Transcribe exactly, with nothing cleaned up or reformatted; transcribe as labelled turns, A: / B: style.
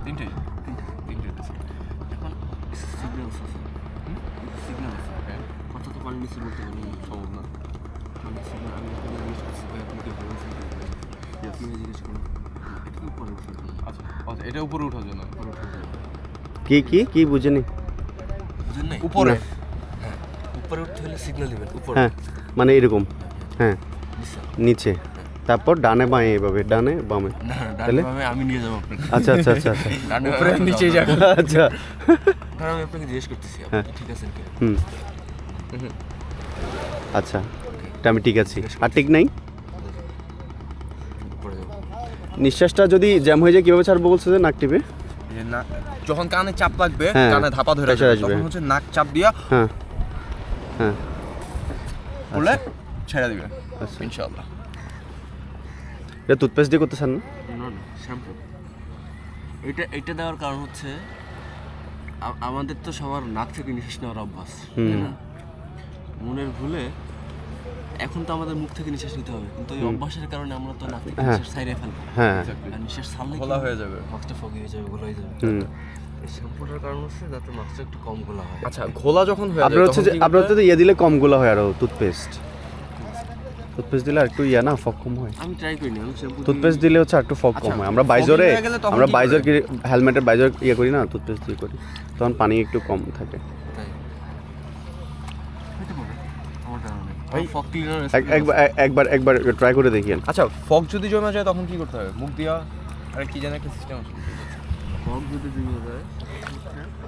A: তিনটেই
B: তিনটে
A: তিনটে দিয়েছে।
B: এখন সিগন্যাল আছে সিগন্যাল আছে কত তো পানি নিচে বলতে পারি
A: সম্ভব না।
B: মানে সিগন্যাল আমি আপনাকে জিজ্ঞেস করছি ভাই আপনি কি বলছেন আপনি জিজ্ঞেস করুন এটা কি উপরে উঠার জন্য
A: আচ্ছা আচ্ছা এটা উপরে ওঠার জন্য
B: উপরে উঠার জন্য
C: কি কি কি বুঝিনি?
B: বুঝেন নাই
A: উপরে
B: হ্যাঁ উপরে উঠতে হলে সিগন্যাল দিবেন উপরে
C: হ্যাঁ মানে এরকম হ্যাঁ
B: নিচে
C: নিচে তারপর ডানে বাঁয়ে এভাবে ডানে বামে
B: না
C: তাহলে?
B: ডানে আমি নিয়ে যাবো আপনাকে
C: আচ্ছা আচ্ছা আচ্ছা আচ্ছা
B: ডানে
A: উপরে নিচে যাবে।
C: আচ্ছা
B: কারণ আমি আপনাকে জিজ্ঞেস করতেছি আপনি
C: হ্যাঁ।
B: কি ঠিক আছেন কি
C: হুম আচ্ছা এটা আমি ঠিক আছি আর ঠিক নাই
B: উপরে যাবো
C: নিঃশ্বাসটা যদি জ্যাম হয়ে যায় কীভাবে ছাড়বো বলছে যে নাক টিপে?
A: যে না যখন কানে চাপ লাগবে
C: হ্যাঁ,
A: কানে ধাপা ধরে
C: pressure
A: যাবে
C: আসবে।
A: তখন হচ্ছে নাক চাপ দিয়া
C: হ্যাঁ হ্যাঁ
A: করলে ছেড়ে দিবে
C: আচ্ছা
A: ইনশাআল্লাহ।
C: এটা টুথপেস্ট দিয়ে করতে চান না?
B: না না শ্যাম্পু এটা এটা দেওয়ার কারণ হচ্ছে আ- আমাদের তো সবার নাক থেকে নিঃশ্বাস নেওয়ার অভ্যাস
C: হুম।
B: তাই না? মনের ভুলে এখন তো আমাদের মুখ থেকে নিঃশ্বাস নিতে হবে কিন্তু ওই অভ্যাসের কারণে আমরা তো নাক থেকে
C: হ্যাঁ।
B: নিঃশ্বাস ছাইড়ে ফেলবো
C: হ্যাঁ
B: আর নিঃশ্বাস ছাড়লে
A: ঘোলা হয়ে যাবে।
B: মাস্কটা ফগি হয়ে যাবে ঘোলা হয়ে যাবে
C: হুম
B: এই শ্যাম্পুটার কারণ হচ্ছে যাতে মাস্কটা একটু কম ঘোলা হয়
A: আচ্ছা ঘোলা যখন হয়ে
C: আপনার
A: যাবে
C: হচ্ছে যে আপনার হচ্ছে যে ইয়ে দিলে কম গোলা হয় আরো টুথপেস্ট টুথপেস্ট দিলে আর একটু ইয়া না ফগ কম হয়
B: আমি ট্রাই করিনি আমি শ্যাম্পু
C: টুথপেস্ট দিলে হচ্ছে আর একটু ফগ কম
A: আচ্ছা,
C: হয় আমরা
A: foggy
C: বাইজরে
A: হয়ে গেলে তখন
C: আমরা
A: কি
C: বাইজর
A: করে?
C: হেলমেটের বাইজর ইয়ে করি না টুথপেস্ট দিয়ে করি তখন পানি একটু কম থাকে
B: তাই হতে পারে আমার জানা নেই
A: ভাই,
B: ফগ ক্লিনার
C: এক- একবার এক- একবার একবার ট্রাই করে দেখিয়েন
A: আচ্ছা ফগ যদি জমে যায় তখন কি করতে হবে? মুখ দিয়া আরে কি জানি একটা সিস্টেম আছে।
B: ফগ যদি জমে যায়